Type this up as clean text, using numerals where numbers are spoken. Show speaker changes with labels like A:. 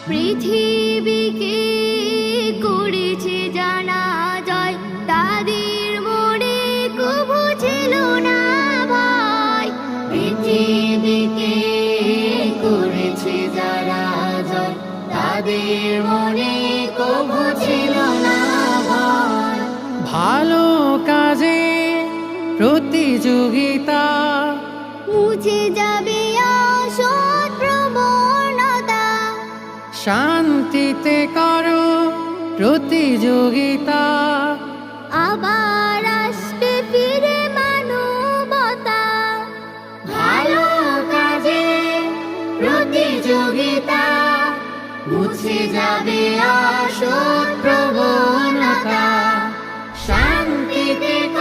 A: পৃথিবীকে করেছে জানা জয়, তাদের মনে কবু ছিল না ভয়। পৃথিবীকে করেছে যারা জয়, তাদের মনে কবু ছিল না ভয়।
B: ভালো কাজে প্রতিযোগিতা
A: মুছে যাবে অসৎ প্রবণতা,
B: শান্তিতে করো প্রতিযোগিতা।
A: আবার আসবে ফিরে মানবতা। ভালো কাজে প্রতিযোগিতা, মুছে যাবে অসৎ প্রবণতা, শান্তিতে